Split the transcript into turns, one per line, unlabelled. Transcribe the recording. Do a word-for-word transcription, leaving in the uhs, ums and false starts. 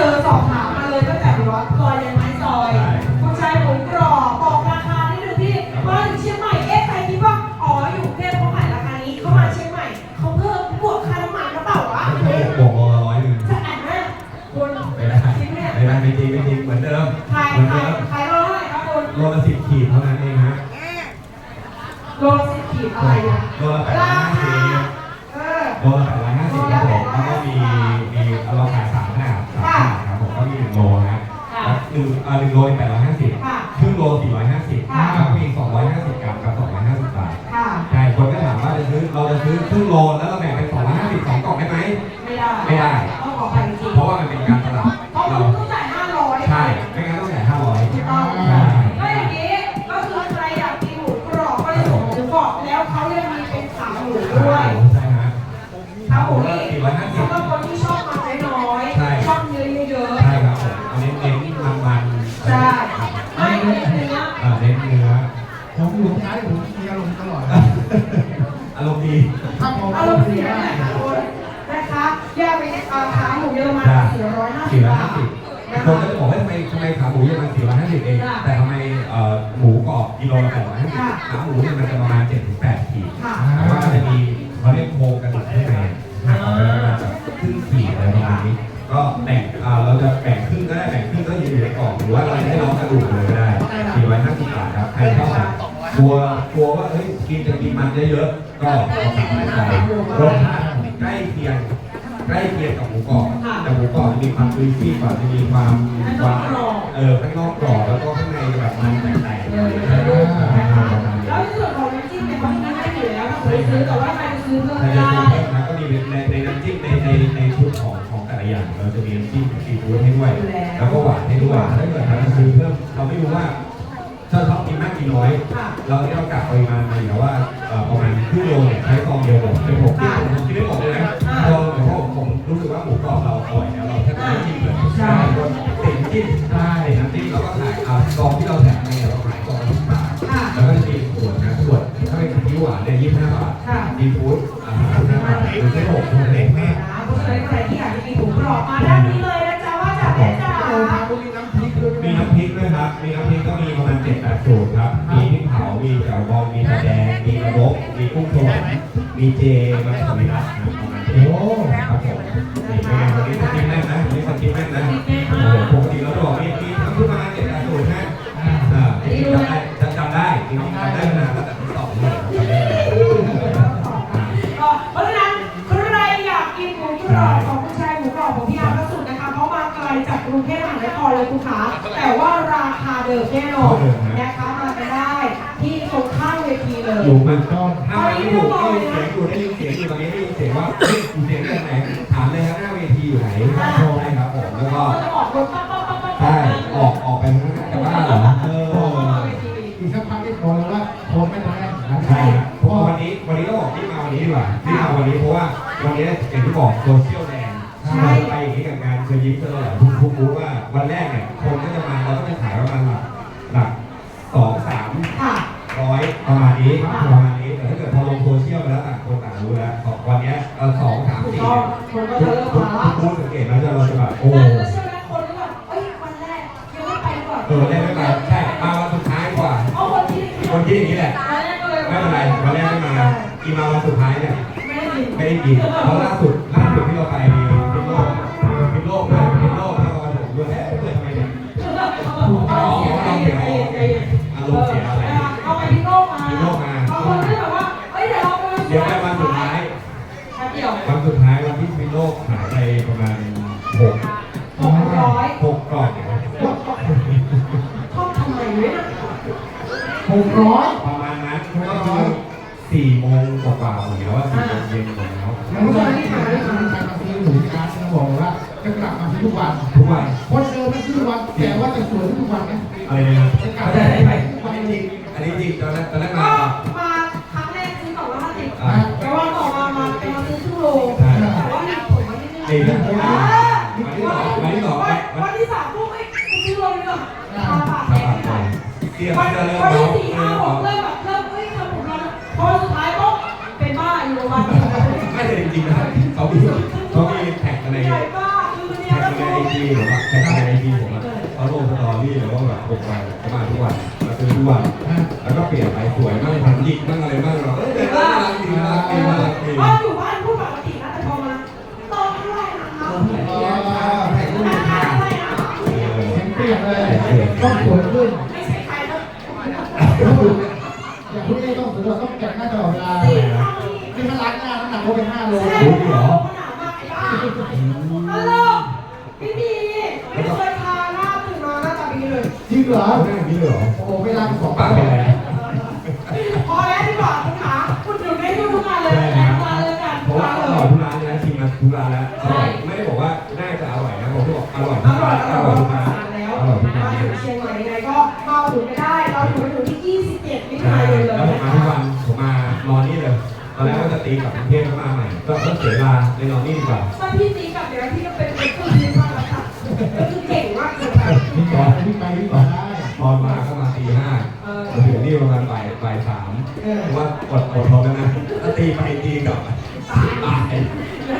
อสอบถามมาเลยตั้งแต่ว่าซอยยังไงซอยคุณชายหมูกรอบบอกราคานิดนึงที่มาถึงเชียงใหม่เอ๊ะใครคิดว่าอ๋ออยู่กรุงเทพเขาขายราคานี้เขามาเชียงใหม่เขาเพิ่มบวกค่าน้ำมันกระเป๋าวะ
บวกร้อยหนึ่ง
จะแอนนะคุณ
ไม่ได้ไม่ได้ไม่จริงไม่จริงเหมือนเดิม
ขายขายขายโลเท่าไหร่ครับคุณ
โลละสิบขีดเท่านั้นเองฮะ
โลละสิบขีดอะไรอ่ะ
โลละแปดร้อยห้าสิบโลละแปดร้อยห้าสิบครับผมแล้วก็มีมีเราขายสามขนาดสามขนาดครับผมก็มีหนึ่งโลนะหนึ่งอ่าหนึ่งโลแปดร้อยห้าสิบครึ่งโลสี่ร้อยห้าสิบแล้วก็มีสองร้อยห้าสิบกรัมกับสองร้อยห้าสิบบาทใช่คนก็ถามว่าจะซื้อเราจะซื้อครึ่งโลแล้วเราแบ่งเป็นสองร้อยห้าสิบสองกล่องได้ไหม
ไม่ได้
ไม่ได้
ต้องขอไปจริง
เพราะว่ามันเป็นการตลาด
เราต้องจ่ายห้าร้อย
ใช่ไม่งั้นต้องจ่ายห้าร้อย
ถูกต้องก็อย่างนี้ก็คือใครอยากกินหมูกรอบก็เลยส่งหมูกรอบแล้วเขายังมีเป็นขาหมูด้วย
ใช่ฮะ
ขาหมูนี่สำหรับคนที่ชอบมันน้อยๆชอบเนื้อเยอะๆ
ใช่ครับผมอันนี้เน้นมันมัน
ใช่ไม่เน้นเนื้อ
อ่าเน้นเนื้อ
ผมอยู่ท้ายผมมีอารมณ์ตลอด
อารมณ์ดี
อารมณ์ดีนะคะแยกไปขาหมูเยอรมันสี่ร้อยห้าสิบบาท
คนก็จะบอกว่าทำไมทำไมขาหมูเยอรมันสี่ร้อยห้าสิบเองแต่ทำไมหมูกรอบกิโลละแปดร้อยห้าสิบขาหมูเนี่ยมันจะประมาณเจ็ดถึงแปดขีดแต่ว่ามันจะมีเขาเรียกโครงกระดูกข้างในหักออกไปประมาณแบบครึ่งขีดอะไรประมาณนี้ก็แบ่งเราจะแบ่งครึ่งก็ได้แบ่งครึ่งก็ยืนอยู่ในกล่องหรือว่าเราจะให้ลองกระดูกเลยก็ได้สี่ร้อยห้าสิบบาทครับใครชอบกลัวกลัวว่าเฮ้ยกินจะกินมันเยอะๆก็สั่งไปรสชาติใกล้เคียงใกล้เคียงกับหมูกรอบแต่หมูกรอบจะมีความจุยซี่กว่าจะมีความความเออข้างนอกกรอบแล้วก็ข้างในแบบมันแตกๆ
แล้วในส่วนของน้ำจิ้มเนี่ยเขาไม่ให้อยู่แล้วถ้าคุณซื้อแต่ว่าใครซื้อเพิ่มได้
ก็มีในในน้ำจิ้มในในในชุดของของแต่ละอย่างเราจะมีน้ำจิ้มซีฟู้ดให้ด้วยแล้วก็หวานให้ด้วยถ้าเกิดเราซื้อเพิ่มเราไม่รู้ว่าถ้าชอบกินมากกินน้อยเราที่เรากะปริมาณมาอยู่แล้วว่าประมาณครึ่งโลเนี่ยใช้ซองเดียวหมดเป็นผมที่ผมกินได้หมดเลยนะพอเพราะผมรู้สึกว่าหมูกรอบเราอร่อยแล้วเราแค่ไม่จิ้มเลยใช่ติดจิ้มใช่น้ำจิ้มเราก็ขายซองที่เราแถมในเราขายซองละสิบบาทแล้วก็จะมีส่วนนะส่วนถ้าเป็นซีอิ๊วหวานเนี่ยยี่สิบห้าบาทซีฟู้ดอ่าสิบห้าบาทหรือเส้นหกเล็กมาก
เพราะฉะนั้นใครที่อยากจะกินหมูกรอบมาด้านนี้เลยนะจ๊ะว่าจากเพชรจ๋า
มีน้ำพริกด้วยครับมีน้ำพริกก็มีประมาณเจ็ดแปดสูตรครับมีพริกเผามีแจ่วบองมีตะแดงมีกระบอกมีกุ้งสวรรค์มีเจมันสวิรัตนะประมาณนี้ครับผมนี่เป็นไงวันนี้สกิปแน่นนะวันนี้สกิปแน่นนะโอ้โหปกติเราบอกมีมีทำขึ้นมาเจ็ดแปดสูตรนะอ่าจำได้จำได้จริงๆจำได้นะตั้งแต่ที่สองเลยจำได้
เพราะฉะนั้นใครอยากกินหมูกรอบของคุณชายหมูกรอบของพี่อาร์ตสุดนะคะเพราะมาไกลจากกรุงเทพมหานครเลยคุณขาแต่ว่าราคาเดิมแน่นอนนะคะมาไปได้ที่ตรงข้างเวทีเลย
อยู่มันก็ถ้าไม่ถูกได้ยินเสียงอยู่ได้ยินเสียงอยู่ตอนนี้ได้ยินเสียงว่าเฮ้ยอยู่เสียงจากไหนถามเลยครับหน้าเวทีอยู่ไหนโทรได้ครับผมแล้วก็ใช่ออกออกไปข้างหน้าแต่ว่าเหรอเออ
อีกสักพักที่โทรแล้วว่าโทรไม่ได้
ใช่ครับเพราะวันนี้วันนี้ต้องบอกที่มาวันนี้ดีกว่าที่มาวันนี้เพราะว่าวันนี้อย่างที่บอกโซเชียลแดงเราไปอย่างนี้กับงานเคยยิ้มตลอดทุกทุกรู้ว่าวันแรกเนี่ยคนก็จะมาเราก็จะขายประมาณหลักหลักสองสามร้อยประมาณนี้ประมาณนี้แต่ถ้าเกิดพอลงโซเชียลไปแล้วต่างคนต่างรู้แล้ววันนี้เราสองสามสี่เนี่ยทุกทุกสังเกตแล้วจะเราจะแบบโอ้
คนก็แบบเอ้ยวันแรกยังไม่ไปก่อน
เออแรกไม่ไปใช่มาวันสุดท้ายกว่า
คนที่
คนที่อย่างนี้แหละไม่เป็นไรวันแรกไม่มาอีมาวันสุดท้ายเนี่ยไม่ได้กินเพราะล่าสุดล่าสุดที่เราไปพิโลกพิโลกนะพิโลกแล้วก็ผมด้วยเอ๊ะเกิดทำไมเนี่ยอ๋อเราเสียอารมณ์เสียอะไร
เอาไปพิโลกมา
พิโลกมา
บางคนที่แบบว่าเอ้ยเดี๋ยวเราไป
เดี๋ยวไปวันสุดท้ายวันสุดท้ายวันที่พิโลกหายไปประมาณหก
หกร้อย
หกกล่อง
ชอบทำไมเนี่ย
หกร้อย
ประมาณนั้นก็คือสี่โมงกว่าๆหมดแล้วว่าสี่โมงเย็นหมดแล้ว
แล้วก็ที่มาที่มาการมาซื้อหมูที่ร้านจะบอกว่าจะกลับมาซื้อทุกวัน
ทุกวัน
คนเดิมไม่ซื้อทุกวันแต่ว่าจะสวยทุกวันนะ
อะไรนะจะกลับได้ไหมอันนี้จริงอันนี้จริงตอนแรกตอนแรกมา
มาครั้งแรกซื้อสองร้อยห้าสิบแต่ว่าต่อมามาเป็นมาซื้อครึ่งโลแต่ว่าหนักผมมาที่นี่วันที่สองวันที่สองวันที่สามพวกไอ้ซื้อโลนึงอ่ะตาปากแดงวันที่สี่ห้าหกเริ่มแบบเริ่มเฮ้ยทำผมแล้วพอสุดท้ายปุ๊บเป็นบ้าอยู่โรงพยาบาล
ไม่ใช่จริงๆนะเขามีเขามีแท็กอะไร
ใหญ่บ้าคือเนี่ยแล้วก็
จีหรือว่าใครในไอจีผมอะเขาลงสตอรี่หรือว่าแบบหกวันเขามาทุกวันมาซื้อทุกวันแล้วก็เปลี่ยนไปสวยมากแถมหยิกบ้างอะไรบ้างเราเออแต่น่ารักดีน่ารักดีน่ารักดี
บ้านอยู่บ้านพูดปกตินะแต่พอมาตอนเท่าไหร่นะคะ
อ๋อถ่ายรูป
ราคา
ค่ะ
เท่าไหร่นะคะ
เปลี่ยนเลยต้องสวยขึ้น
ไม่ใช่ใครแล้ว
อย่างที่นี่ต้องสวยต้องแกะหน้าตลอดเวลา
สี่
นี่
เท่านี้
ถ้าล้างหน้าน้ำหนักเขาเป็นห้าโล
ใช่เหรอหนาวมากไอ้บ้าฮัลโหลพี่ดีไม่เคยทาหน้าตื่นมาหน้าตาดีเลย
จริงเหรอ
เอาหน้าอย่างนี้เลยเหรอ
โอ้ไม่ล้างสอง
ปากเป็นไรนะ
พอแล้วดีกว่าคุณขาคุณอยู่ในทุกงานเลยแอนมาเลยกัน
เพราะว่าอร่อยทุกร้านเลยนะชิมมาทุกร้านแล้วอร่อยไม่ได้บอกว่าน่าจะอร่อยนะผมก็บอกอร่อย
อ
ทุก
ร่อ
ร้าย น
อ
อ
ร่
ร่
อ
อย ย
ทุ
ทุ
ก
ก
ร้า
ร้าน น
แล้ว
อร่อยทุก
มา
ร้าน
ถึงเชียงใหม่ยังไงก็มาถึงไม่ได้เราอยู่ไปถึงที่ยี่สิบเจ็ดมิถุ
ใช่
นายนเล
แล้วผม
ย
มาทุกวันผมมานอนนี่เลยตอนแรกว่าจะตีกลับกรุงเทพแล้วมาใหม่ก็ต้องเสียเวลาเลยนอนนี่ดีกว่า
ถ้าพี่ตีกับเดี๋ยวพี่ก็เป็นเป็นคนดีมากแล้วค่ะก็คือเก่งมากเลย
วิ่งก่อนวิ่งไปวิ่งมาได้
ตอนมาก็มาตีห้ามาถึงนี่ประมาณบ่ายบ่ายสามเพราะว่าอดอดทนแล้วนะถ้าตีไปตีกลับตาย
เดี๋ยว